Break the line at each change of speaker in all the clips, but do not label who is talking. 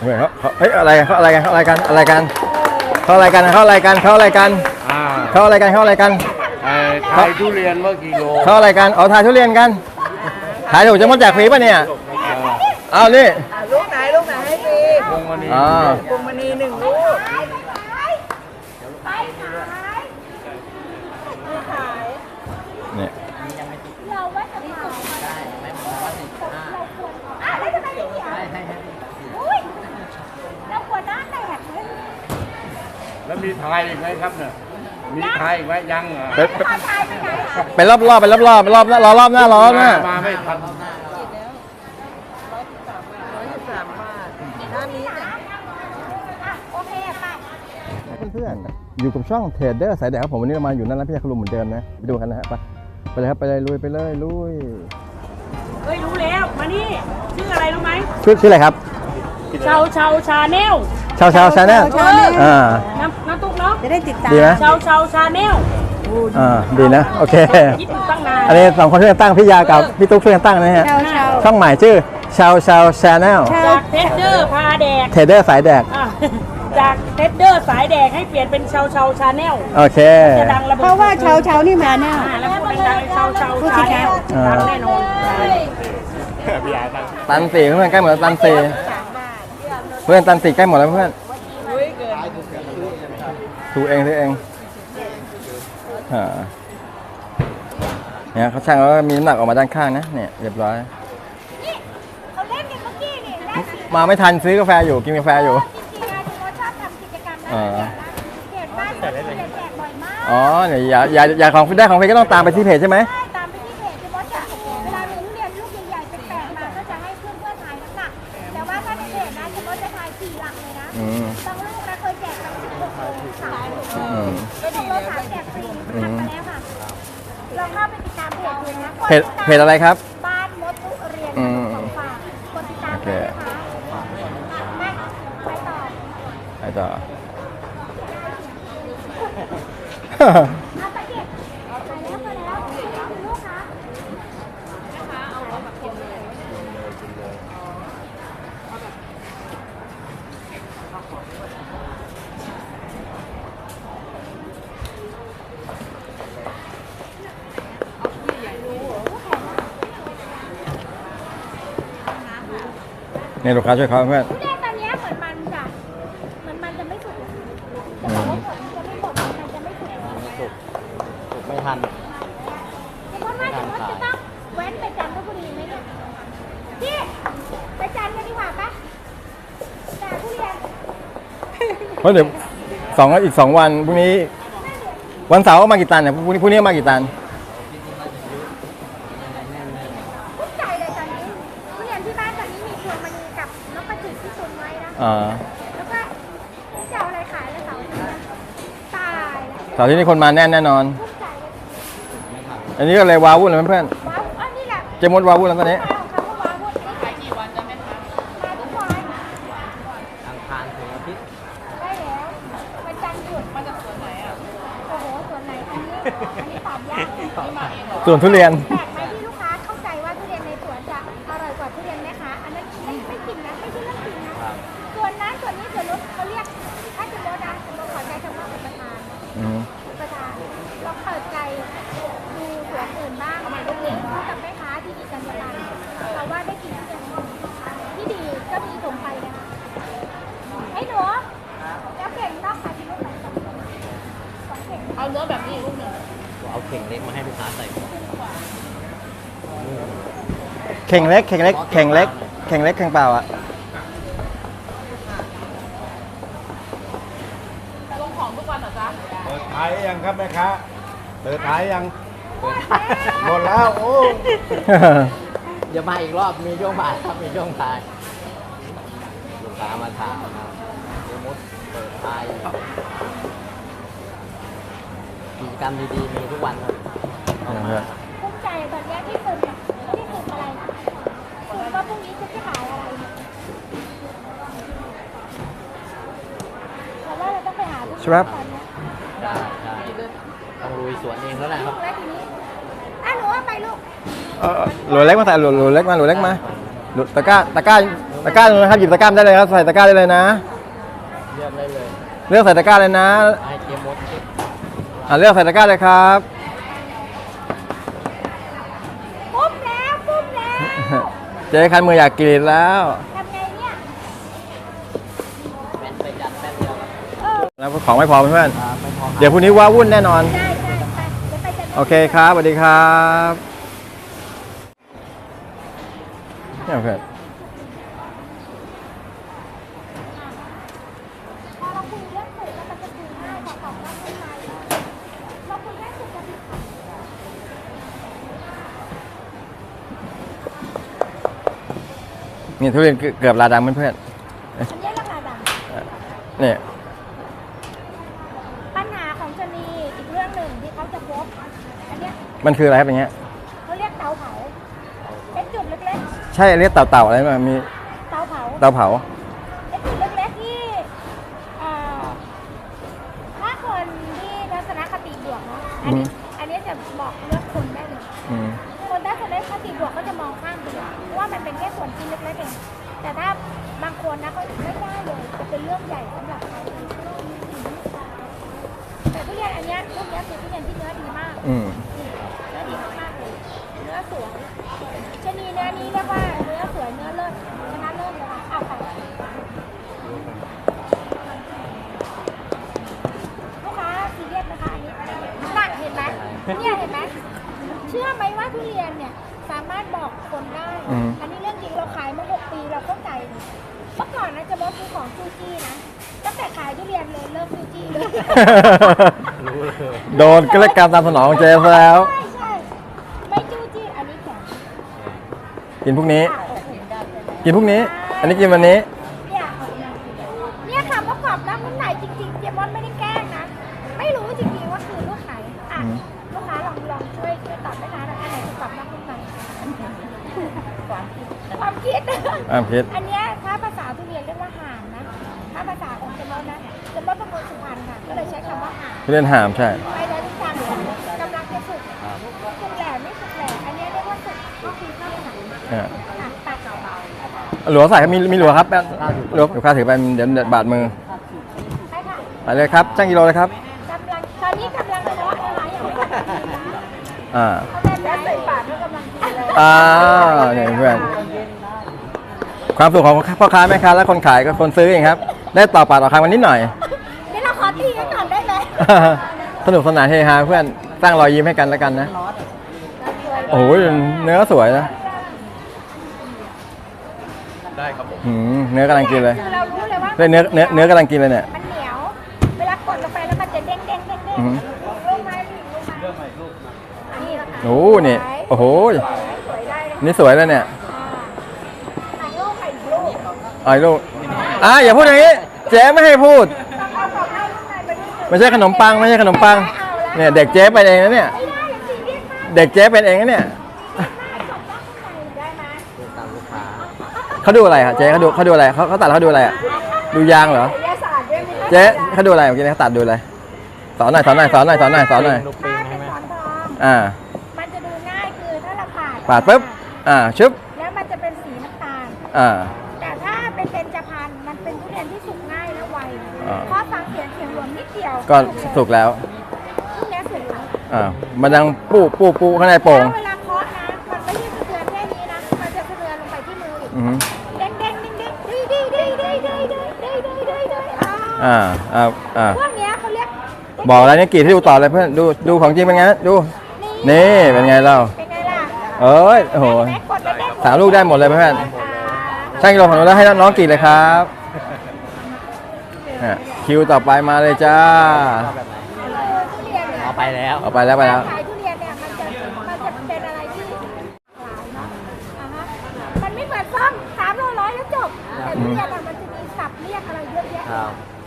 เขาเฮ้ยอะไรกันเขาอะไรกันเขาอะไรกันอะไรกันเขาอะไรกันเขาอะไรกันเขาอะไรกันเขาอะไรกันเขาอะไรกัน
ขายทุเรียนเมื่อกิโล
เขาอะไรกันเอาถ่ายทุเรียนกันถ่ายถูกจะมดแจกฟรีป่ะเนี่ยเอานี่
ลูกไหนให้ฟรี
พวงมณี
พวงมณี1 ลูก
เนี่ย
เราว่าจะมาได้ไหมเราควรแล้วทำไมไม่เขียนอุ้ยเราควรหน้าแตกเลย
แล้วมีทายอีกไหมครับเนี่ยมีทายอีกไหมยังอ่ะ
ไปรอบรอบไปรอบรอบไปรอบรอรอบหน้ารอรอบหน้า
มาไม่ทัน
113 บาทหน้านี้จ้ะ
โอเคไป
เพื่อนๆอยู่กับช่องเทรดเดอร์สายแดกครับผมวันนี้เรามาอยู่นั่นร้านพี่ยาคลุมเหมือนเดิมนะไปดูกันนะฮะไปเลยครับไปเลยลุยไปเลยลุย
เฮ้ยรู้แล้วมานี่ชื่ออะไรรู้ไหม
ชื่ออะไรครับ
ชาแนล
ชาวชาแนล
น้ำตุ๊กเนาะ
จะได้ติดตาม
ดีไหม
ชาแนล
ดีนะโอเค
คิดอยู่ตั้งนาน
อันนี้2คนช่วยกันตั้งพี่ยากับพี่ตุ๊กช่วยกันตั้งนะฮะช่องใหม่ชื่อชาวชาแนล
จากเทสเดอร์พาแดก
เทรดเดอร์สายแดก
อ่ะจากเทสเดอร์สายแดกให้เปลี่ยนเป็นชาแนล
โอเค
จะดังระเบิด
เพราะว่าเช้านี่มาแน่
แล้วพูดดังๆชาแนลดังแน่นอน
ตันสี่เพื่อนใกล้หมดแล้วตันสี่เพื่อนตันสี่ใกล้หมดแล้วเพื่อนดูเองซื้อเองเนี่ยเขาช่างแล้วมีน้ำหนักออกมาด้านข้างนะเนี่ยเรียบร้อย
เขาเล่นกันเมื่อกี้นี่และจริง
มาไม่ทันซื้อกาแฟอยู่กินกาแฟอยู่
ๆนะที่เขาชอบทำกิจกรรมนะเห็นบ้านแจกบ่อยมาก
อ๋อเนี่ยอย่าของได้ของฟรีก็ต้องตามไปที่เพจใช่ไหม
ใช่ตามไปที่เพจที่มดจะเวลามีทุเรียนลูกใหญ่ๆแปลกๆมาก็จะให้เพื่อนๆทายน้ำหนักแต่ว่าถ้าในเพจนะมดจะทาย4 หลักเลยนะบางลูกนะเคยแจกตั้ง16 โล3 โล2 โล3แจกฟรีทำมาแล้วค่ะลองเข้าไปติดตามเพจดูนะ
เพจอะไรครับ
บ้านมดทุเรียนของฝากกดติดตามด้วยนะคะมาไปต่อ
ไปต่อ
เอาไปเก็บไปแล้วลูกค้า
เนี่ยลูกค้าช่วยเขาเพื่อน
ทุเรียนตอนนี้เหมือนมันจะไม่สุกแต่ว่าผลจะไม่หมดมันจะไม่สุก
ไม่ทัน
เพราะว่าจะต้องแว้นไปจันทบุรีไหมเนี่ยพี่ไปจันทร์กันดีกว่าปะแต่ทุเรียน
เพราะเดี๋ยวอีก 2 วันพรุ่งนี้วันเสาร์มากี่ตันเนี่ยพรุ่งนี้มากี่ตัน
ทุกใจเลยตอนนี้ทุเรียนที่บ้านตอนนี้มีพวงมณีกับนกกระจิบที่ตุนไว้นะ แล้วก็จะเอาอะไรขายแล้วเสาร์อาทิตย์ตาย
เสาร์ที่นี่คนมาแน่นอน
ทุกใจเลย
อันนี้ก็เลยวาวุ่นเลยเพื่อน
ว้าวอันนี้แหละ
ๆเจมดวาวุ่นแล้วตอนนี้
ของเขาก็ว้าวหมดขายกี่วันจะไม่ทันมาทุกวัน
อังคารถึงอาทิตย์
ได้แล้ววันจันทร์หยุดมาจากสวนไหนอ่ะโอ้โหสวนไหนอันนี้ตอบยากเลย
ส่วนทุเรียน
แปลกไหมที่ลูกค้าเข้าใจว่าทุเรียนในสวนจะอร่อยกว่าทุเรียนแม่ค้าอันนั้นไม่จริงนะไม่ใช่เรื่องจริงนะส่วนนั้นส่วนนี้ส่วนนู้นเขาเรียกถ้าจะโดนนะจะขอใจคำว่าเป็นประธานลองเปิดใจดูสวนอื่นบ้างเด็กๆพูดกับแม่ค้าที่ดีกันประกันเราว่าได้กินทุเรียนที่ดีก็มีส่งไปนะคะไอ้หนูแล้วเก่งนอกขายที่ลูกไหน2 เข่ง
เอาเนื้อแบบนี้ลูกหนึ่ง
เอาเข่งเล็กมาให้ลูกค้าใส่
เข่งเล็กเข่งเล็กเข่งเล็กเข่งเล็กเข่งเปล่าอ่ะ
ลงของทุกวันเหรอจ๊ะ
เปิดขายยังครับแม่ค้าเปิดขายยังหมดแล้วโอ้
เดี๋ยวมาอีกรอบ มีช่วงบ่ายครับ มีช่วงบ่ายลูกค้ามาทานนะครับเดี๋ยวมดเปิดท้ายกิจกรรมดีๆ มีทุกวันครับต้องมา
ภูมิใจตอนนี้ที่ฝึกอะไรนะฝึกว่าพรุ่งนี้จะขายอะไรแต่ว่าเราต้องไปหาทุก
ครับ
ตอนนี้
ใช่ใช่ต้องลุยสวนเองแล้วแหละครับ
แล้วทีนี้หนูว่าไปลูก
หลุดเล็กมาใส่หลุดเล็กมาหลุดเล็กมาหลุดตะกร้าตะกร้าตรงนะครับหยิบตะกร้าได้เลยครับใส่ตะกร้าได้เลยนะ
เลือกได้เลย
เลือกใส่ตะกร้าเลยนะ
ให้เจมดคิด
เลือกใส่ตะกร้าเลยครับ
ปุ๊บแล้วปุ๊บแล้ว
เจ๊คันมืออยากกรีดแล้ว
ทำไงเนี่ย
แป้นไปจัดแป้นเดียวครับ
แล้วของไม่พอเพื่อน
ไม่พอ
ๆเดี๋ยวพรุ่งนี้ว้าวุ่นแน่นอน
ได้ไปเดี๋ยวไปจะ
โอเคครับสวัสดีครับเนี่ยเพื่อน
พอเราคุยเรื่องสูตรแล้วมันจะคุยง่ายกว่าตอบรับคนไทยเราคุยแค่สูตรกับผิดค่ะ
นี่ทุเรียนเกือบลาดำเพื่อน
อันนี้ราคาดัง
ๆเนี่ย
ปัญหาของชะนีอีกเรื่องหนึ่งที่เขาจะพบอันเนี้ย
มันคืออะไรครับอย่างเงี้ย
เขาเรียกเตาเผาเป็นจุดเล็ก
ใช่เรียกเต่าๆอะไรมั้ยมี
ๆเตาเผา
เตาเผา
เป็นจุดเล็กๆที่เอ่อถ้าคนที่ทัศนคติบวกเนาะอันนี้จะบอกเลือกคนได้เลย
อืม
คนทัศนคติบวกก็จะมองข้ามไปเลยเพราะว่ามันเป็นแค่ส่วนชิ้นเล็กๆเองแต่ถ้าบางคนนะเขาไม่ได้เลยจะเป็นเรื่องใหญ่สำหรับเขาแต่ทุเรียนอันเนี้ยพวกเนี้ยคือทุเรียนที่เนื้อดีมาก
อืม
เนื้อดีมากๆเลย เนื้อสวยชะนีเนื้อนี้เรียกว่าเนื้อสวยเนื้อเลิศชนะเลิศเลยค่ะเอาไปลูกค้าซีเรียสนะคะอันนี้น่ะเห็นไหมเนี่ยเห็นไหมเชื่อไหมว่าทุเรียนเนี่ยสามารถบอกคนได้ อันนี้เรื่องจริงเราขายมา6 ปีเราเข้าใจเลยเมื่อก่อนนะจะบอกซื้อของจูจี้นะตั้งแต่ขายทุเรียนเลยเลิกจูจี้เลย
รู้เลย
โดนก็เลยการตามสนองของเจ๊ซะแล้ว
ใช่ใช่ไม่จู้จี้อันนี้แข็ง
กินพรุ่งนี้
อ่ะโอเค
กินพรุ่งนี้ อันนี้กินวันนี้
เนี่ยค่ะประกอบน้ำมันไหนจริงๆเจมอนไม่ได้แกล้งนะ ไม่รู้จริงๆว่าคือลูกไหนอ่ะ
อืม
ลูกค้าลองช่วยตอบได้นะอันไหนประกอบน้ำมันไหนความคิด
พิษ
อันเนี้ยถ้าภาษาทุเรียนเรียกว่าห่านนะ ถ้าภาษาของเจมอนนะเจมอนเป็นคนสุพรรณค่ะ ก็เลยใช้คำว่าห่าน
ทุเรียนหามใช่
ไปแล้วทุกการกำลังจะสุกสุกแหล่ไม่สุกแหล่อันเนี้ยเรียกว่าสุกก็คือข้าวหนัง
อ่า
ตัดเบา
หลัวใส่ครับมีหลัวครับหลัวอยู่ข้าถือไปเดี๋ยวบาดมือ
ๆใช่ค่ะ
ไปเลยครับช่างกิโลเลยครับ
กำลังตอนนี้กำลังเพาะอะไรอย่างไม่ตัดสินนะ
อ่า
เขาแม่แม่ใส่ปากก็กำลังกินเลย
เนี่ยเพื่อน ความสุขของพ่อค้าแม่ค้าและคนขายกับคนซื้อเองครับ ได้ต่อปากต่อคำกันนิดหน่อย
นี่เราขอตีกันก่อนได้ไหม
สนุกสนานเฮฮาเพื่อนสร้างรอยยิ้มให้กันแล้วกันนะ โอ้โหเนื้อสวยนะ
ได้ครับผม
เนื้อกำลังกินเลย
คือเรารู้เลยว่า
เนื้อกำลังกินเลยเนี่ย
มันเหนียว เวลากดลงไปแล้วมันจะเด้งเด้งเด้งเด้ง
อือหือ
ลูกไม้ลูกไม้นี่นะคะ
โอ้เนี่ยโอ้โห
สวยได้เลย
นี่สวยแล้วเนี่ย
ถ่ายรูปถ่ายรูป
ไอ้ลูกอย่าพูดอย่างนี้ เจ๊ไม่ให้พูด
ต้องเอาของให้ลูกนายไปดู
ไม่ใช่ขนมปังไม่ใช่ขนมปัง เนี่ยเด็กเจ๊เป็นเองนะเนี่ย
ไม่ได้อย่างจริงเรียกมาก
เด็กเจ๊เป็นเองนะเนี่ย
ได้ไหม
ดูตามลูกค้า
เขาดูอะไรครับเจ๊เขาดูอะไรเขาตัดแล้วเขาดูอะไรอ่ะดูยางเหรอ
ศิลปศาสตร์ด้วยไหมคะ
เจ๊เขาดูอะไรเมื่อกี้เขาตัดดูอะไรสอนหน่อย
ลูกปิง
ถ้า
ใช่
เป็น
ไหม
สอนทองมันจะดูง่ายคือถ้าเราปาด
ปุ๊บชึบ
แล้วมันจะเป็นสีน้ำตาล แต่ถ้าเป็นเบญจพรรณมันเป็นทุเรียนที่สุกง่ายและไว เพราะฟังเสียงหลวมนิดเดียว
ก็สุกแล้ว
ทุเรียนสุกแล้ว
มันยังปูข้างในโป่ง
แล้วเวลาเคาะนะ มันไม่ใช่สะเทือนแค่นี้นะ มันจะสะเทือนลงไปที่มืออีก
อือหือ
เด้งเด้งเด้งเด้งดีดีดีดีดีดีดีดีดีดี
พ
พวกเนี้ยเขาเรียก
บอกแล้วเนี่ยกรีดให้ดูต่อเลยเพื่อนดูของจริงเป็นไงดูนี่เป็นไงเล่า
เป็นไงล่ะ
เอ้ยโอ้โห
แม่กดแล้วเด้ง
3 ลูกได้หมดเลยเพื่อนช่างกิโลของเราแล้วให้น้องกรีดเลยครับคิวต่อไปมาเลยจ้า
ทุเรียนเนี่ย
เอาไปแล้ว
เอาไปแล้ว
ขายทุเรียนเนี่ยมันจะเป็นอะไรที่หลายเนาะมันไม่เหมือนซ่อม300แล้วจบ แต่ทุเรียนอะมันจะมีศัพท์เรียกอะไรเยอะแยะ
ครับ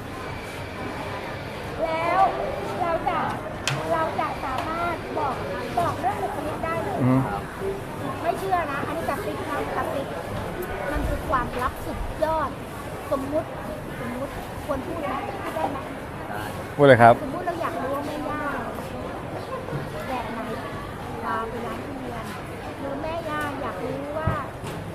แล้วเราจะสามารถบอกเรื่องบุคลิกได้เลย ไม่เชื่อนะ อันนี้กับติ๊กนะกับติ๊กมันคือความลับสุดยอด สมมุติควรพูดไหมพูดได้ไหม
พูดเลยครับ
สมมุติเราอยากรู้ว่าแม่ย่าแบบไหนพาไปร้านทุเรียนหรือแม่ย่าอยากรู้ว่าคน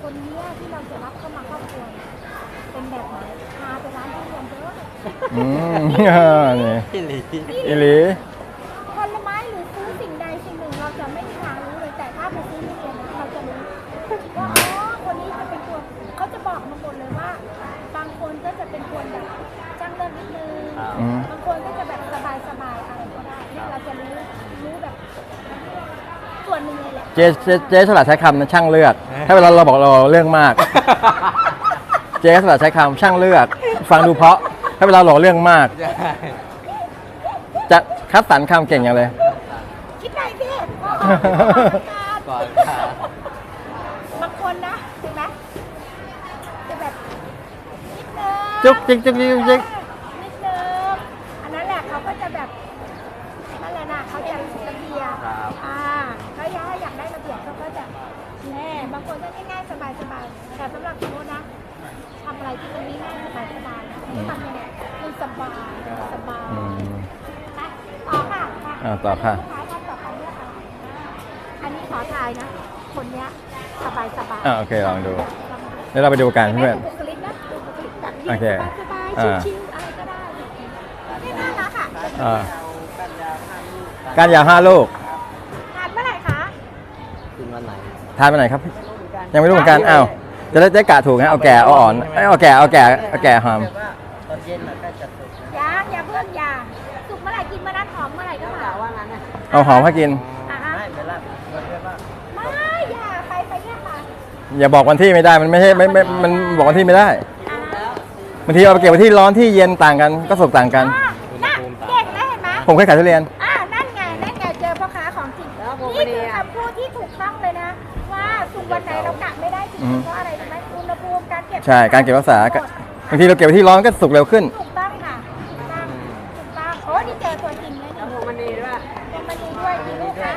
คนเนี้ยที่เราจะรับเข้ามาครอบครัวเป็นแบบไหนพาไปร้านทุเรียนเยอะ
อืมนี่
พี่หลี
อีหลี
ผลไม้หรือซื้อสิ่งใดสิ่งหนึ่งเราจะไม่มีทางรู้เลยแต่ถ้าไปซื้อทุเรียนนะเราจะรู้ว่าอ๋อคนนี้จะเป็นคนเขาจะบอกมาหมดเลยว่า บางคนก็จะเป็นคนแบบจ้างเลิศนิดนึง
อืม
บางคนก็จะแบบสบายๆอะไรก็ได้เนี่ยเราจะรู้แบบส่วนหนึ่งเลยแหละ
เจ๊ฉลาดใช้คำนะช่างเลือก ถ้าเวลาเราบอกเราเรื่องมาก เจ๊ฉลาดใช้คำช่างเลือก ฟังดูเพราะ ถ้าเวลาหลอกเรื่องมาก
ใช่
จะคัดสรรคำเก่งอย่างเลย
คิดได้สิ
ก่อนค่ะ
บางคนนะเห็นไหมจะแบบนิดนึง
จุ๊กจิ๊กจิ๊กจิ๊กจิ๊ก
นิดนึงอันนั้นแหละเขาก็จะแบบนั่นแหละนะเขาจะระเบียบ
ครับ
เขาอยากได้ระเบียบเขาก็จะแน่บางคนก็ง่ายๆสบายๆแต่สำหรับโค้ชนะทำอะไรที่มันง่ายๆสบายๆนะทำยังไงมันสบายสบาย
อืม
ไปต่อค่ะมา
ต่อค่ะ
ลูกค้าท่านต่อไปเลือกเอาอันนี้ขอทายนะ คนเนี้ยสบาย
โอเคลองดูเดี๋ยวเราไปดูกันเพื่อน
บุคลิกนะดูบุคลิกแบบ
โอเค
สบาย
อ่า
ๆชิวๆอะไรก็ได้นี่น่ารักอ่ะ
อ่าการยาว5 ลูก
ทานเมื่อไหร่คะ
กินวันไหน
ทานไปไหนครับ ยังไม่รู้เหมือนกัน อ้าว จะได้กะถูกนะเอาแก่เอาอ่อนเอาแก่หอม
ตอนเย็นเราก็จะสุก
อย่าเพิ่งอย่าสุกเมื่อไหร่กินเมื่อนั้นหอมเมื่อไหร่ก็มาว่างั้นนะ
เอาหอมให้กิน
อ่ะฮะ
ไม่เป็นไรมันเรียกว่า
ไม่อย่าไปเนี่ยค่ะ
อย่าบอกวันที่ไม่ได้ มันไม่ใช่ไม่มันบอกวันที่ไม่ได้
อ่ะฮะ
บางทีเอาไปเก็บไว้ที่ร้อนที่เย็นต่างกัน ก็สุกต่างกัน
น่ะเก่งนะเห็นไหม
ผมเคยขายทุเรียน
นั่นไงเจอพ่อค้าของจริงนี่คือคำพูดที่ถูกต้องเลยนะ ว่าสุกวันไหนเรากะไม่ได้จริงๆเพราะอะไรรู้ไหมอุณหภูมิการเก็บ
ใช่ การเก็บรักษาบางทีเราเก็บไว้ที่ร้อนก็สุกเร็วขึ้น
ถูกต้องค่ะถูกต้องโอ้นี่เจอตัวจริงเลยนี่พวงมณีด้วยพวงมณีด้วยกี่ลูกคะ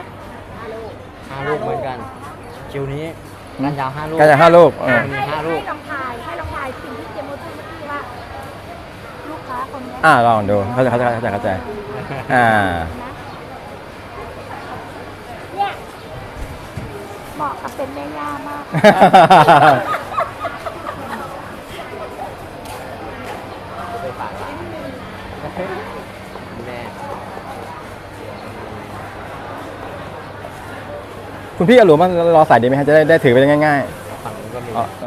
5 ลูกเหมือนกัน คิวนี้กันยาว5 ลูก
การยาว5 ลูก
ให้
มี
ให้
5 ลูก
ลองทายสิ่งที่เจมส์พูดเมื่อกี้ว่า ลูกค้าคนเนี้ย
ลองดูเข้าใจอ่า
เนี่ยเหมาะกับเป็นแม่ย่ามาก
ไปฝากร้านแม่
คุณพี่เอาหลวมมารอใส่ดีไหมฮะจะได้ถือไปง่าย
ฝั่งนู้นก็มี
ๆ